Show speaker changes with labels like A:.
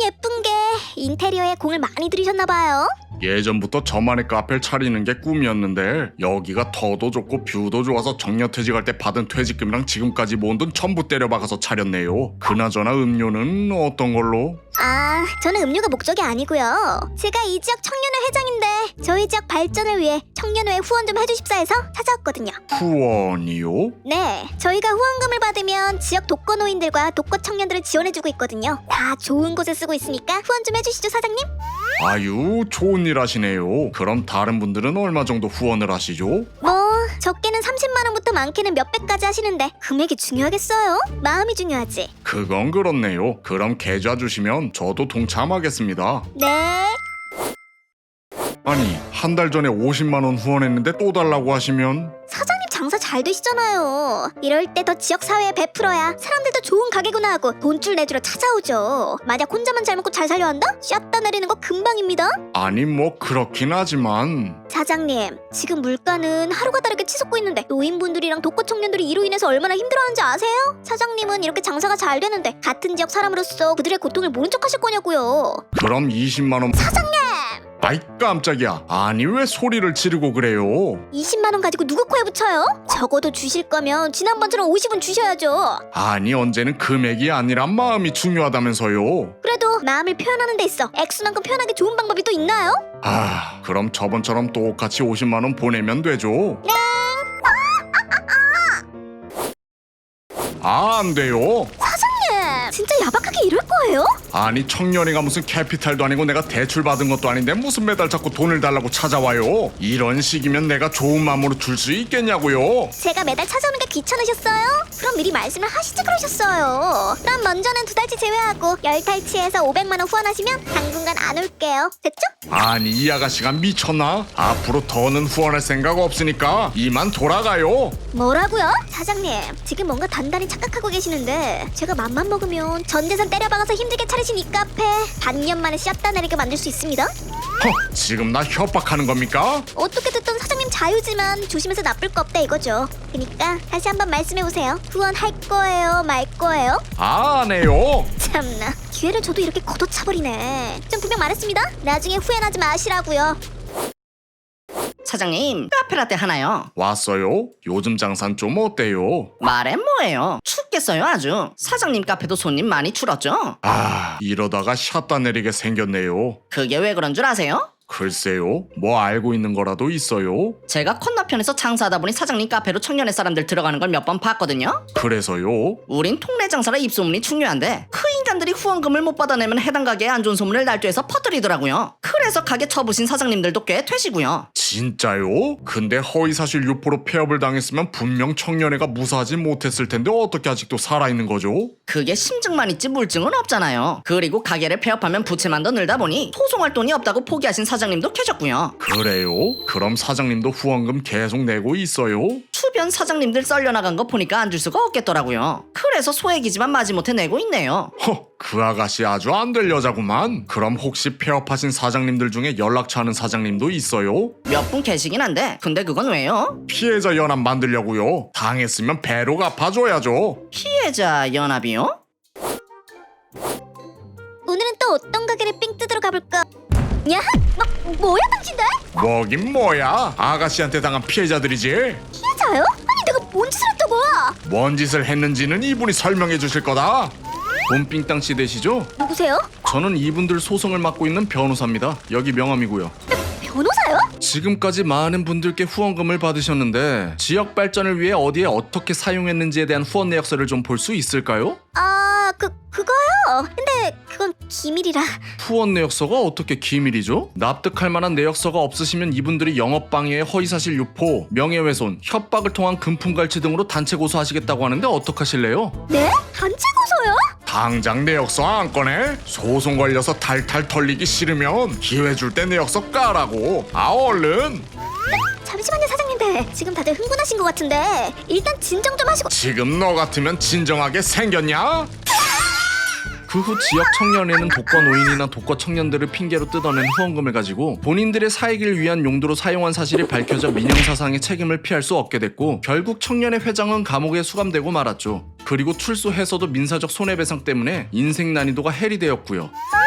A: 예쁜 게 인테리어에 공을 많이 들이셨나봐요.
B: 예전부터 저만의 카페를 차리는 게 꿈이었는데 여기가 터도 좋고 뷰도 좋아서 정년퇴직할 때 받은 퇴직금이랑 지금까지 모은 돈 전부 때려박아서 차렸네요. 그나저나 음료는 어떤 걸로?
A: 아, 저는 음료가 목적이 아니고요. 제가 이 지역 청년회 회장인데 저희 지역 발전을 위해 청년회에 후원 좀 해주십사 해서 찾아왔거든요.
B: 후원이요?
A: 네, 저희가 후원금을 받으면 지역 독거노인들과 독거 청년들을 지원해주고 있거든요. 다 좋은 곳에 쓰고 있으니까 후원 좀 해주시죠, 사장님.
B: 아유, 좋은 일 하시네요. 그럼 다른 분들은 얼마 정도 후원을 하시죠?
A: 뭐 적게는 30만 원부터 많게는 몇백까지 하시는데 금액이 중요하겠어요? 마음이 중요하지.
B: 그건 그렇네요. 그럼 계좌 주시면 저도 동참하겠습니다.
A: 네.
B: 아니, 한 달 전에 50만 원 후원했는데 또 달라고 하시면?
A: 사장님 장사 잘 되시잖아요. 이럴 때 더 지역 사회에 베풀어야 사람들도 좋은 가게구나 하고 돈줄 내주러 찾아오죠. 만약 혼자만 잘 먹고 잘 살려 한다? 샷다 내리는 거 금방입니다.
B: 아니 뭐 그렇긴 하지만
A: 사장님, 지금 물가는 하루가 다르게 치솟고 있는데 노인분들이랑 독거 청년들이 이로 인해서 얼마나 힘들어하는지 아세요? 사장님은 이렇게 장사가 잘 되는데 같은 지역 사람으로서 그들의 고통을 모른 척 하실 거냐고요.
B: 그럼 20만 원...
A: 사장님!
B: 아이 깜짝이야. 아니 왜 소리를 지르고 그래요?
A: 20만 원 가지고 누구 코에 붙여요? 적어도 주실 거면 지난번처럼 50은 주셔야죠.
B: 아니 언제는 금액이 아니라 마음이 중요하다면서요.
A: 그래도 마음을 표현하는 데 있어 액수만큼 표현하기 좋은 방법이 또 있나요?
B: 아 그럼 저번처럼 똑같이 50만 원 보내면 되죠?
A: 네.
B: 아 안 돼요.
A: 사장님, 진짜 야박하게 이럴 거예요?
B: 아니 청년회가 무슨 캐피탈도 아니고 내가 대출 받은 것도 아닌데 무슨 매달 자꾸 돈을 달라고 찾아와요. 이런 식이면 내가 좋은 마음으로 줄 수 있겠냐고요.
A: 제가 매달 찾아오는 게 귀찮으셨어요? 그럼 미리 말씀을 하시지 그러셨어요. 그럼 먼저는 2달치 제외하고 10달치에서 500만 원 후원하시면 당분간 안 올게요. 됐죠?
B: 아니 이 아가씨가 미쳤나? 앞으로 더는 후원할 생각 없으니까 이만 돌아가요.
A: 뭐라고요? 사장님, 지금 뭔가 단단히 착각하고 계시는데 제가 맘만 먹으면 전 재산 때려박아서 힘들게 차리신 이 카페 반년 만에 샷다 내리게 만들 수 있습니다.
B: 지금 나 협박하는 겁니까?
A: 어떻게 듣던 사장님 자유지만 조심해서 나쁠 거 없다 이거죠. 그니까 다시 한번 말씀해보세요. 후원할 거예요, 말 거예요?
B: 안 해요.
A: 참나, 기회를 줘도 이렇게 걷어차버리네. 좀 분명 말했습니다. 나중에 후회하지 마시라고요.
C: 사장님, 카페라떼 하나요.
B: 왔어요? 요즘 장산 좀 어때요?
C: 말해 뭐예요. 춥겠어요 아주. 사장님 카페도 손님 많이 줄었죠.
B: 아 이러다가 샷다 내리게 생겼네요.
C: 그게 왜 그런 줄 아세요?
B: 글쎄요, 뭐 알고 있는 거라도 있어요?
C: 제가 건너편에서 장사하다 보니 사장님 카페로 청년회 사람들 들어가는 걸 몇 번 봤거든요.
B: 그래서요?
C: 우린 통내 장사라 입소문이 중요한데 그 인간들이 후원금을 못 받아내면 해당 가게에 안 좋은 소문을 날조해서 퍼뜨리더라고요. 그래서 가게 쳐부신 사장님들도 꽤 되시고요.
B: 진짜요? 근데 허위사실 유포로 폐업을 당했으면 분명 청년회가 무사하지 못했을 텐데 어떻게 아직도 살아있는 거죠?
C: 그게 심증만 있지 물증은 없잖아요. 그리고 가게를 폐업하면 부채만 더 늘다 보니 소송할 돈이 없다고 포기하신 사장님도 계셨고요.
B: 그래요? 그럼 사장님도 후원금 계속 내고 있어요?
C: 주변 사장님들 썰려나간 거 보니까 안 줄 수가 없겠더라고요. 그래서 소액이지만 마지못해 내고 있네요.
B: 그 아가씨 아주 안 될 여자구만. 그럼 혹시 폐업하신 사장님들 중에 연락처 아는 사장님도 있어요?
C: 몇 분 계시긴 한데 근데 그건 왜요?
B: 피해자 연합 만들려고요. 당했으면 배로 갚아줘야죠.
C: 피해자 연합이요?
A: 오늘은 또 어떤 가게를 삥 뜯으러 가볼까? 야, 뭐야 당신들?
B: 뭐긴 뭐야. 아가씨한테 당한 피해자들이지.
A: 피해자요? 아니 내가 뭔 짓을 했다고?
B: 뭔 짓을 했는지는 이분이 설명해 주실 거다. 봄삥땅씨 되시죠?
A: 누구세요?
B: 저는 이분들 소송을 맡고 있는 변호사입니다. 여기 명함이고요.
A: 변호사요?
B: 지금까지 많은 분들께 후원금을 받으셨는데 지역 발전을 위해 어디에 어떻게 사용했는지에 대한 후원 내역서를 좀 볼 수 있을까요?
A: 아, 그거요? 근데 그건 기밀이라.
B: 후원 내역서가 어떻게 기밀이죠? 납득할 만한 내역서가 없으시면 이분들이 영업방해, 허위사실 유포, 명예훼손, 협박을 통한 금품갈취 등으로 단체 고소하시겠다고 하는데 어떡하실래요?
A: 네? 단체 고소요?
B: 당장 내역서 안 꺼내? 소송 걸려서 탈탈 털리기 싫으면 기회 줄 때 내역서 까라고. 아 얼른.
A: 잠시만요 사장님들, 지금 다들 흥분하신 것 같은데 일단 진정 좀 하시고.
B: 지금 너 같으면 진정하게 생겼냐? 그 후 지역 청년회는 독거 노인이나 독거 청년들을 핑계로 뜯어낸 후원금을 가지고 본인들의 사익을 위한 용도로 사용한 사실이 밝혀져 민형사상의 책임을 피할 수 없게 됐고 결국 청년회 회장은 감옥에 수감되고 말았죠. 그리고 출소해서도 민사적 손해배상 때문에 인생 난이도가 해리되었고요.